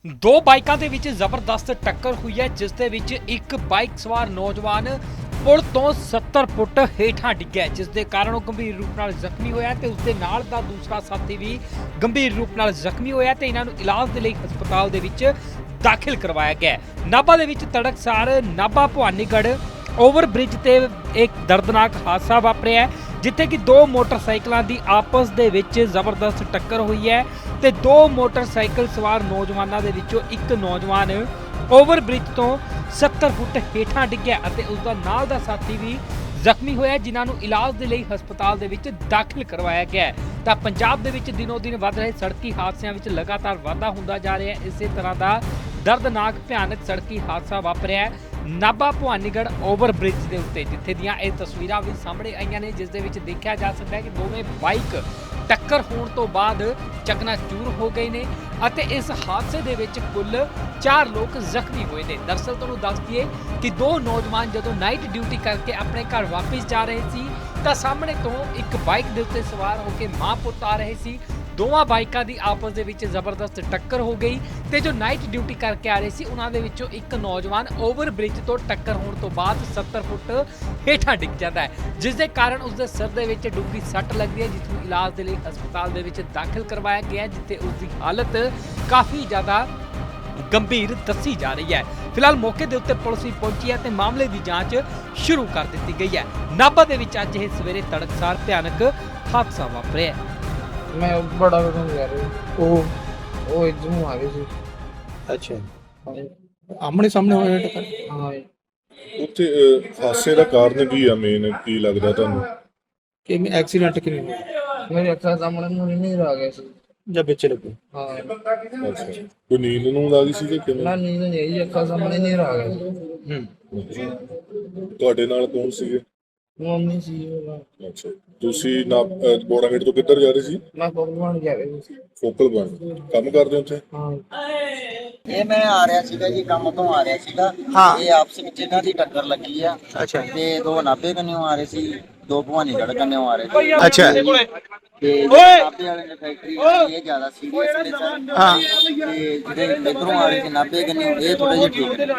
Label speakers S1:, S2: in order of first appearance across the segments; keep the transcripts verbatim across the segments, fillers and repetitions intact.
S1: ਦੋ ਬਾਈਕਾਂ ਦੇ ਵਿੱਚ ਜ਼ਬਰਦਸਤ ਟੱਕਰ ਹੋਈ ਹੈ, ਜਿਸ ਦੇ ਵਿੱਚ ਇੱਕ ਬਾਈਕ ਸਵਾਰ ਨੌਜਵਾਨ ਪੁਲ ਤੋਂ ਸੱਤਰ ਫੁੱਟ ਹੇਠਾਂ ਡਿੱਗਿਆ, ਜਿਸ ਦੇ ਕਾਰਨ ਉਹ ਗੰਭੀਰ ਰੂਪ ਨਾਲ ਜ਼ਖਮੀ ਹੋਇਆ ਤੇ ਉਸ ਦੇ ਨਾਲ ਦਾ ਦੂਸਰਾ ਸਾਥੀ ਵੀ ਗੰਭੀਰ ਰੂਪ ਨਾਲ ਜ਼ਖਮੀ ਹੋਇਆ ਤੇ ਇਹਨਾਂ ਨੂੰ ਇਲਾਜ ਦੇ ਲਈ ਹਸਪਤਾਲ ਦੇ ਵਿੱਚ ਦਾਖਲ ਕਰਵਾਇਆ ਗਿਆ। ਨਾਭਾ ਦੇ ਵਿੱਚ ਤੜਕਸਾਰ ਨਾਭਾ ਭਵਾਨੀਗੜ੍ਹ ਓਵਰ ਬ੍ਰਿਜ ਤੇ ਇੱਕ ਦਰਦਨਾਕ ਹਾਦਸਾ ਵਾਪਰਿਆ, ਜਿੱਥੇ ਕਿ ਦੋ ਮੋਟਰਸਾਈਕਲਾਂ ਦੀ ਆਪਸ ਦੇ ਵਿੱਚ ਜ਼ਬਰਦਸਤ ਟੱਕਰ ਹੋਈ ਹੈ ਤੇ ਦੋ ਮੋਟਰਸਾਈਕਲ ਸਵਾਰ ਨੌਜਵਾਨਾਂ ਦੇ ਵਿੱਚੋਂ ਇੱਕ ਨੌਜਵਾਨ ਓਵਰ ਬ੍ਰਿਜ ਤੋਂ ਸੱਤਰ ਫੁੱਟ ਹੇਠਾਂ ਡਿੱਗਿਆ ਅਤੇ ਉਸ ਦਾ ਨਾਲ ਦਾ ਸਾਥੀ ਵੀ ਜ਼ਖਮੀ ਹੋਇਆ, ਜਿਨ੍ਹਾਂ ਨੂੰ ਇਲਾਜ ਦੇ ਲਈ ਹਸਪਤਾਲ ਦੇ ਵਿੱਚ ਦਾਖਲ ਕਰਵਾਇਆ ਗਿਆ ਹੈ। ਤਾਂ ਪੰਜਾਬ ਦੇ ਵਿੱਚ ਦਿਨੋ ਦਿਨ ਵੱਧ ਰਹੇ ਸੜਕੀ ਹਾਦਸਿਆਂ ਵਿੱਚ ਲਗਾਤਾਰ ਵਾਧਾ ਹੁੰਦਾ ਜਾ ਰਿਹਾ ਹੈ। ਇਸੇ ਤਰ੍ਹਾਂ ਦਾ ਦਰਦਨਾਕ ਭਿਆਨਕ ਸੜਕੀ ਹਾਦਸਾ ਵਾਪਰਿਆ ਨਾਭਾ ਭਵਾਨੀਗੜ੍ਹ ਓਵਰ ਬ੍ਰਿਜ ਦੇ ਉੱਤੇ, ਜਿੱਥੇ ਦੀਆਂ ਇਹ ਤਸਵੀਰਾਂ ਵੀ ਸਾਹਮਣੇ ਆਈਆਂ ਨੇ, ਜਿਸ ਦੇ ਵਿੱਚ ਦੇਖਿਆ ਜਾ ਸਕਦਾ ਹੈ ਕਿ ਦੋਵੇਂ ਬਾਈਕ ਟੱਕਰ ਹੋਣ ਤੋਂ ਬਾਅਦ ਚਕਨਾਚੂਰ ਹੋ ਗਏ ਨੇ ਅਤੇ ਇਸ ਹਾਦਸੇ ਦੇ ਵਿੱਚ ਕੁੱਲ ਚਾਰ ਲੋਕ ਜ਼ਖਮੀ ਹੋਏ ਨੇ। ਦਰਅਸਲ ਤੁਹਾਨੂੰ ਦੱਸ ਦਈਏ ਕਿ ਦੋ ਨੌਜਵਾਨ ਜਦੋਂ ਨਾਈਟ ਡਿਊਟੀ ਕਰਕੇ ਆਪਣੇ ਘਰ ਵਾਪਸ ਜਾ ਰਹੇ ਸੀ ਤਾਂ ਸਾਹਮਣੇ ਤੋਂ ਇੱਕ ਬਾਈਕ ਦੇ ਉੱਤੇ ਸਵਾਰ ਹੋ ਕੇ ਮਾਂ ਪੁੱਤ ਆ ਰਹੇ ਸੀ। ਦੋਵਾਂ ਬਾਈਕਾਂ ਦੀ ਆਪਸ ਦੇ ਵਿੱਚ ਜ਼ਬਰਦਸਤ ਟੱਕਰ ਹੋ ਗਈ ਤੇ ਜੋ ਨਾਈਟ ਡਿਊਟੀ ਕਰਕੇ ਆ ਰਹੇ ਸੀ ਉਹਨਾਂ ਦੇ ਵਿੱਚੋਂ ਇੱਕ ਨੌਜਵਾਨ ਓਵਰ ਬ੍ਰਿਜ ਤੋਂ ਟੱਕਰ ਹੋਣ ਤੋਂ ਬਾਅਦ ਸੱਤਰ ਫੁੱਟ ਹੇਠਾਂ ਡਿੱਗ ਜਾਂਦਾ ਹੈ, ਜਿਸ ਦੇ ਕਾਰਨ ਉਸ ਦੇ ਸਿਰ ਦੇ ਵਿੱਚ ਡੂੰਘੀ ਸੱਟ ਲੱਗਦੀ ਹੈ, ਜਿਸ ਨੂੰ ਇਲਾਜ ਦੇ ਲਈ ਹਸਪਤਾਲ ਦੇ ਵਿੱਚ ਦਾਖਲ ਕਰਵਾਇਆ ਗਿਆ, ਜਿੱਥੇ ਉਸ ਦੀ ਹਾਲਤ ਕਾਫੀ ਜ਼ਿਆਦਾ ਗੰਭੀਰ ਦੱਸੀ ਜਾ ਰਹੀ ਹੈ। ਫਿਲਹਾਲ ਮੌਕੇ ਦੇ ਉੱਤੇ ਪੁਲਿਸ ਵੀ ਪਹੁੰਚੀ ਹੈ ਤੇ ਮਾਮਲੇ ਦੀ ਜਾਂਚ ਸ਼ੁਰੂ ਕਰ ਦਿੱਤੀ ਗਈ ਹੈ। ਨਾਭਾ ਦੇ ਵਿੱਚ ਅੱਜ ਇਹ ਸਵੇਰੇ ਤੜਕਸਾਰ ਭਿਆਨਕ ਹਾਦਸਾ ਵਾਪਰਿਆ।
S2: मैं बड़ा कदम जा रही वो वो इधर आ गई थी।
S3: ਅੱਛਾ ਆਮਣੇ ਸਾਹਮਣੇ ਹੋਇਆ ਟੱਕਰ
S2: हाँ
S4: ਉੱਥੇ ਅਹ, ਹਾਦਸੇ ਦਾ ਕਾਰਨ ਕੀ ਆ? ਮੇਨ ਕੀ ਲੱਗਦਾ ਤੁਹਾਨੂੰ?
S3: ਕਿਵੇਂ ਐਕਸੀਡੈਂਟ ਕਿਵੇਂ ਹੋਇਆ
S2: मेरे अक्खा सामने मुझे नहीं आ गया सी।
S3: ਜਾਂ ਵਿੱਚ ਲੱਗੂ
S2: हाँ
S4: ਅੱਛਾ, ਕੋਈ ਨੀਂਦ ਨੂੰ ਲੱਗੀ ਸੀ ਕਿ ਕਿਵੇਂ?
S2: ना नींद नहीं आई, अक्खा सामने नहीं आ गया सी।
S3: ਹੂੰ
S4: ਤੁਹਾਡੇ ਨਾਲ ਕੌਣ ਸੀਗੇ?
S2: मम्मी सी वो
S4: ਅੱਛਾ, ਤੁਸੀਂ ਨਾ ਬੋੜਾਗੇਟ ਤੋਂ ਕਿੱਧਰ ਜਾ ਰਹੇ ਸੀ?
S2: मैं पकवान जा रही थी।
S4: ਫੋਕਲ ਪੁਆਇੰਟ ਕੰਮ ਕਰਦੇ ਉੱਥੇ?
S2: हाँ
S5: ਇਹ ਮੈਂ ਆ ਰਿਹਾ ਸੀਗਾ ਜੀ, ਕੰਮ ਤੋਂ ਆ ਰਿਹਾ ਸੀਗਾ।
S3: ਹਾਂ।
S5: ਇਹ ਆਪਸ ਵਿੱਚ ਇਹਨਾਂ ਦੀ ਟੱਕਰ ਲੱਗੀ ਆ
S3: ਅੱਛਾ
S5: ਤੇ ਦੋ ਨਾਭੇ ਕੰਨਿਓ ਆ ਰਹੇ ਸੀ, ਦੋ ਭਵਾਨੀਗੜ੍ਹ ਕੰਨਿਓ ਆ ਰਹੇ ਸੀ
S3: ਅੱਛਾ
S5: ਤੇ ਨਾਭੇ ਵਾਲੇ ਨੇ ਫੈਕਟਰੀ ਇਹ ਜ਼ਿਆਦਾ ਸੀਰੀਅਸ ਨੇ ਸਰ।
S3: ਹਾਂ।
S5: ਤੇ ਜਿਹੜੇ ਇਧਰੋਂ ਆ ਰਹੇ ਸੀ ਨਾਭੇ ਕੰਨਿਓ ਇਹ ਥੋੜੇ ਜਿਹੇ ਠੀਕ ਨੇ।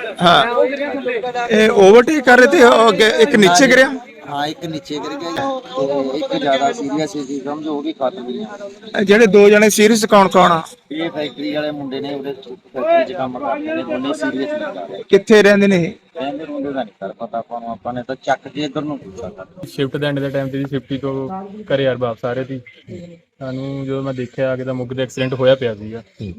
S3: ਹਾਂ ਇਹ ਓਵਰਟੇਕ ਕਰ ਰਹੇ ਤੇ ਉਹ ਅੱਗੇ ਇੱਕ ਨੀਚੇ ਗਿਰਿਆ
S5: ਹਾਂ, ਇੱਕ ਨੀਚੇ ਗਿਰ ਗਿਆ ਜੀ ਤੇ ਇੱਕ ਜ਼ਿਆਦਾ ਸੀਰੀਅਸ ਸੀ, ਸਮਝੋ ਉਹ ਵੀ ਖਤਮ ਗਈ।
S3: ਇਹ ਜਿਹੜੇ ਦੋ ਜਣੇ ਸੀਰੀਅਸ ਕੌਣ ਕੌਣ ਆ
S5: ਇਹ ਫੈਕਟਰੀ ਵਾਲੇ ਮੁੰਡੇ ਨੇ, ਉਹਦੇ ਫੈਕਟਰੀ 'ਚ ਕੰਮ ਕਰਦੇ ਨੇ, ਦੋਨੇ ਸੀਰੀਅਸ ਨਹੀਂ ਕਰ ਰਹੇ।
S3: ਕਿੱਥੇ ਰਹਿੰਦੇ ਨੇ ਇਹ
S5: ਕਹਿੰਦੇ ਮੁੰਡੇ ਦਾ ਨਹੀਂ ਕਰ ਪਤਾ ਆਪਾਂ ਨੂੰ, ਆਪਾਂ ਨੇ ਤਾਂ ਚੱਕ ਕੇ ਇਧਰ ਨੂੰ ਪੁੱਛਿਆ ਕਰ।
S6: ਸ਼ਿਫਟ ਦੇ ਐਂਡ ਦੇ ਟਾਈਮ ਤੇ ਜੀ ਫਿਫਟੀ ਤੋਂ ਘਰੇ ਯਾਰ ਵਾਪਸ ਆ ਰਹੇ ਸੀ। ਸਾਨੂੰ ਜਦੋਂ ਮੈਂ ਦੇਖਿਆ ਆ ਕੇ ਤਾਂ ਮੁੱਗ ਦਾ ਐਕਸੀਡੈਂਟ ਹੋਇਆ ਪਿਆ ਸੀਗਾ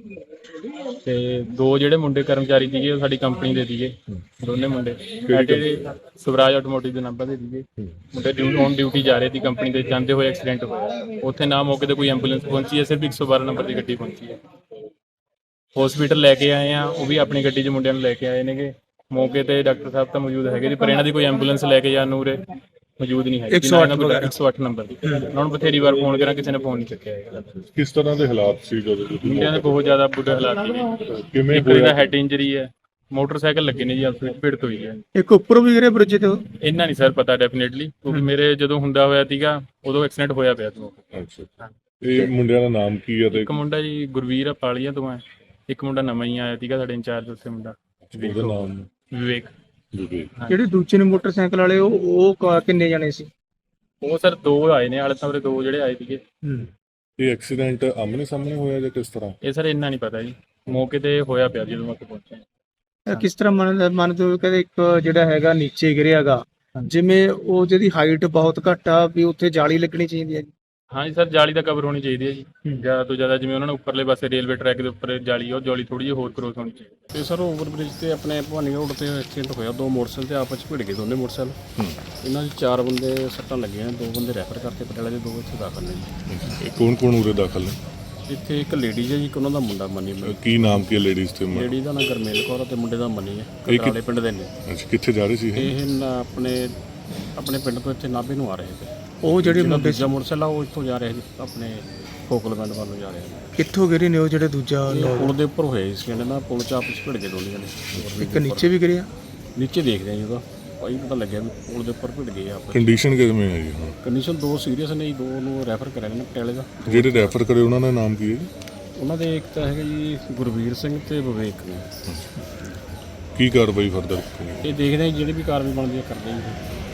S6: ਤੇ ਦੋ ਜਿਹੜੇ ਮੁੰਡੇ ਕਰਮਚਾਰੀ ਸੀਗੇ ਉਹ ਸਾਡੀ ਕੰਪਨੀ ਦੇ ਸੀਗੇ, ਦੋਨੇ ਮੁੰਡੇ ਸਾਡੇ ਸਵਰਾਜ ਆਟੋਮੋਟਿਵ ਦੇ ਨੰਬਰ ਦੇ ਸੀਗੇ। ਮੁੰਡੇ ਡਿਊਟੀ ਔਨ ਡਿਊਟੀ ਜਾ ਰਹੇ ਸੀ ਕੰਪਨੀ ਦੇ, ਜਾਂਦੇ ਹੋਏ ਐਕਸੀਡੈਂਟ ਹੋਇਆ। ਉੱਥੇ ਨਾ ਮੌਕੇ ਤੇ ਕੋਈ ਐਂਬੂਲੈਂਸ ਪਹੁੰਚੀ ਹੈ, ਸਿਰਫ ਇੱਕ ਸੌ ਬਾਰਾਂ ਨੰਬਰ ਦੀ ਗੱਡੀ ਪਹੁੰਚੀ ਹੈ। ਹਸਪੀਟਲ ਲੈ ਕੇ ਆਏ ਆ, ਉਹ ਵੀ ਆਪਣੀ ਗੱਡੀ 'ਚ ਮੁੰਡਿਆਂ ਨੂੰ ਲੈ ਕੇ ਆਏ ਨੇਗੇ। ਮੌਕੇ ਤੇ ਡਾਕਟਰ ਸਾਹਿਬ ਤਾਂ ਮੌਜੂਦ ਹੈਗੇ ਜੀ, ਪਰ ਇਹਨਾਂ ਦੀ ਕੋਈ ਐਂਬੂਲੈਂਸ ਲੈ ਕੇ ਜਾਣ ਨੂੰ ਉਰੇ ਮੌਜੂਦ ਨਹੀਂ ਹੈ।
S3: ਇੱਕ ਸੌ ਅੱਠ ਵਗੈਰਾ
S6: ਇੱਕ ਸੌ ਅੱਠ ਨੰਬਰ ਦੀ ਉਹਨਾਂ ਨੂੰ ਬਥੇਰੀ ਵਾਰ ਫੋਨ ਕਰਾਂ, ਕਿਸੇ ਨੇ ਫੋਨ ਨਹੀਂ ਚੱਕਿਆ ਹੈਗਾ।
S4: ਕਿਸ ਤਰ੍ਹਾਂ ਦੇ ਹਾਲਾਤ ਸੀ ਜਦੋਂ ਤੁਸੀਂ?
S6: ਮੁੰਡਿਆਂ ਦੇ ਬਹੁਤ ਜ਼ਿਆਦਾ ਬੁਰੇ ਹਾਲਾਤ ਨੇ।
S4: ਕਿਵੇਂ
S6: ਇੱਕ ਦਾ
S4: ਹੋਇਆ?
S6: ਹੈਡ ਇੰਜਰੀ ਹੈ, ਮੋਟਰਸਾਈਕਲ ਲੱਗੇ ਨੇ ਜੀ, ਆਪਸ ਵਿੱਚ ਭਿੜਤ ਹੋਈ ਹੈ।
S3: ਇੱਕ ਉੱਪਰੋਂ ਵੀ ਗਿਰੇ ਬ੍ਰਿਜ ਤੇ ਉਹ?
S6: ਇੰਨਾ ਨਹੀਂ ਸਰ ਪਤਾ ਡੈਫੀਨੇਟਲੀ, ਕਿਉਂਕਿ ਮੇਰੇ ਜਦੋਂ ਹੁੰਦਾ ਹੋਇਆ ਸੀਗਾ ਉਦੋਂ ਐਕਸੀਡੈਂਟ ਹੋਇਆ ਪਿਆ ਸੀ।
S4: ਅੱਛਾ, ਇਹ ਮੁੰਡਿਆਂ ਦਾ ਨਾਮ ਕੀ ਹੈ ਤੇ
S6: ਇੱਕ ਮੁੰਡਾ ਜੀ ਗੁਰਵੀਰ ਆ ਪਾਲੀਆਂ ਤੋਂ ਹੈ, ਇੱਕ ਮੁੰਡਾ ਨਵਾਂ ਹੀ ਆਇਆ ਸੀਗਾ ਸਾਡੇ ਇੰਚਾਰਜ ਉੱਥੇ ਮੁੰਡਾ
S4: ਉਹਦਾ ਨਾਮ?
S6: ਵਿਵੇਕ।
S4: ਜੀ।
S3: ਜਿਹੜੇ ਦੂਜੇ ਨੇ ਮੋਟਰਸਾਈਕਲ ਵਾਲੇ ਉਹ ਉਹ ਕ- ਕਿੰਨੇ ਜਣੇ ਸੀ?
S6: ਉਹ ਸਰ ਦੋ ਆਏ ਨੇ, ਹਾਲੇ ਤਾਂ ਉਰੇ ਦੋ ਜਿਹੜੇ ਆਏ ਸੀਗੇ।
S3: ਹੂੰ
S4: ਇਹ ਐਕਸੀਡੈਂਟ ਆਮਨੇ ਸਾਹਮਣੇ ਹੋਇਆ ਜਾਂ ਕਿਸ ਤਰ੍ਹਾਂ?
S6: ਇਹ ਸਰ ਇੰਨਾ ਨਹੀਂ ਪਤਾ ਜੀ, ਮੌਕੇ ਤੇ ਹੋਇਆ ਪਿਆ ਜਦੋਂ ਉੱਥੇ ਪਹੁੰਚੇ।
S3: ਇਹ ਕਿਸ ਤਰ੍ਹਾਂ ਮੰਨ ਮੰਨਦੇ ਹੋ ਕਿ ਇੱਕ ਜਿਹੜਾ ਹੈਗਾ ਨੀਚੇ ਗਿਰਿਆਗਾ, ਜਿਵੇਂ ਉਹ ਜਿਹਦੀ ਹਾਈਟ ਬਹੁਤ ਘੱਟ ਆ ਵੀ ਉੱਥੇ ਜਾਲੀ ਲੱਗਣੀ ਚਾਹੀਦੀ ਹੈ ਜੀ?
S6: ਹਾਂਜੀ ਸਰ, ਜਾਲੀ ਦਾ ਕਵਰ ਹੋਣੀ ਚਾਹੀਦੀ ਹੈ ਜੀ ਜ਼ਿਆਦਾ ਤੋਂ ਜ਼ਿਆਦਾ। ਜਿਵੇਂ ਉਹਨਾਂ ਨੇ ਉੱਪਰਲੇ ਪਾਸੇ ਰੇਲਵੇ ਟਰੈਕ ਦੇ ਉੱਪਰ ਜਾਲੀ ਆ, ਉਹ ਜਾਲੀ ਥੋੜੀ ਜਿਹੀ ਹੋਰ ਕਰੋਸ ਹੋਣੀ ਚਾਹੀਦੀ।
S7: ਤੇ ਸਰ ਓਵਰ ਬ੍ਰਿਜ ਤੇ ਆਪਣੇ ਭਵਾਨੀ ਰੋਡ ਤੇ ਐਕਸੀਡੈਂਟ ਹੋਇਆ, ਦੋ ਮੋਟਰਸਾਈਕਲ ਤੇ ਆਪਸ ਵਿੱਚ ਭਿੜ ਗਏ ਦੋਨੇ ਮੋਟਰਸਾਈਕਲ। ਇਹਨਾਂ ਦੇ ਚਾਰ ਬੰਦੇ ਸੱਟਾਂ ਲੱਗੀਆਂ, ਦੋ ਬੰਦੇ ਰੈਫਰ ਕਰਤੇ ਪਟਿਆਲੇ ਦੇ, ਦੋ ਇੱਥੇ ਦਾਖਲ ਨੇ ਜੀ।
S4: ਇਹ ਕੌਣ ਕੌਣ ਉਰੇ ਦਾਖਲ ਨੇ?
S7: ਇੱਥੇ ਇੱਕ ਲੇਡੀ ਹੈ ਜੀ, ਇੱਕ ਉਹਨਾਂ ਦਾ ਮੁੰਡਾ ਮਨੀ।
S4: ਅਹ, ਕੀ ਨਾਮ ਕੀ ਲੇਡੀਜ਼ ਤੇ? ਮ-
S7: ਲੇਡੀ ਦਾ ਨਾਂ ਗਰਮੇਲ ਕੌਰ ਆ ਤੇ ਮੁੰਡੇ ਦਾ ਮਨੀ ਹੈ,
S4: ਇਹ ਕਿ-
S7: ਕਟਰਾਲੇ ਪਿੰਡ ਦੇ ਨੇ।
S4: ਅੱਛਾ, ਕਿੱਥੇ ਜਾ ਰਹੇ ਸੀ ਇਹ?
S7: ਇਹ ਨਾ ਆਪਣੇ ਆਪਣੇ ਪਿੰਡ ਤੋਂ ਇੱਥੇ ਨਾਭੇ ਨੂੰ ਆ ਰਹੇ ਸੀ।
S3: ਉਹ ਜਿਹੜੇ
S7: ਜਿਹੜਾ
S3: ਮੁੰਡੇ
S7: ਦੂਜਾ ਮੋਟਰਸਾਈਕਲ ਆ ਉਹ ਇੱਥੋਂ ਜਾ ਰਿਹਾ ਸੀ ਆਪਣੇ ਫੋਕਲਮੈਂਟ ਵੱਲ ਨੂੰ ਜਾ ਰਿਹਾ ਸੀ।
S3: ਕਿੱਥੋਂ ਗਿਰੇ ਨੇ ਉਹ ਜਿਹੜੇ ਦੂਜਾ
S7: ਇਹ
S3: ਲੋਕ?
S7: ਪੁਲ ਦੇ ਉੱਪਰ ਹੋਏ ਸੀ, ਕਹਿੰਦੇ ਨਾ ਪੁਲ ਚ ਆਪਸ ਵਿੱਚ ਭਿੜ ਗਏ ਦੋਨੇ ਜਣੇ।
S3: ਇੱਕ ਨੀਚੇ ਵੀ ਗਿਰਿਆ?
S7: ਨੀਚੇ ਦੇਖਦੇ ਆ ਜੀ, ਉਹਦਾ ਭਾਈ ਪਤਾ ਲੱਗਿਆ ਵੀ ਪੁਲ ਦੇ ਉੱਪਰ ਭਿੜ ਗਏ ਆਪਸ।
S4: ਕੰਡੀਸ਼ਨ ਕਿਵੇਂ ਹੈ ਜੀ ਹੁਣ?
S7: ਕੰਡੀਸ਼ਨ ਦੋ ਸੀਰੀਅਸ ਨੇ ਜੀ, ਦੋ ਨੂੰ ਰੈਫਰ ਕਰਿਆ ਨੇ ਪਟਿਆਲੇ ਦਾ।
S4: ਜਿਹੜੇ ਰੈਫਰ ਕਰੇ ਉਹਨਾਂ ਦਾ ਨਾਮ ਕੀ ਹੈ ਜੀ?
S7: ਉਹਨਾਂ ਦੇ ਇੱਕ ਤਾਂ ਹੈਗਾ ਜੀ ਗੁਰਵੀਰ ਸਿੰਘ ਤੇ ਵਿਵੇਕ ਨੇ।
S4: ਕੀ ਕਾਰਵਾਈ ਫਰਦਰ?
S7: ਇਹ ਦੇਖਦੇ ਹਾਂ ਜੀ, ਜਿਹੜੀ ਵੀ ਕਾਰਵਾਈ ਬਣਦੀ ਹੈ ਕਰਦੇ ਹਾਂ ਜੀ।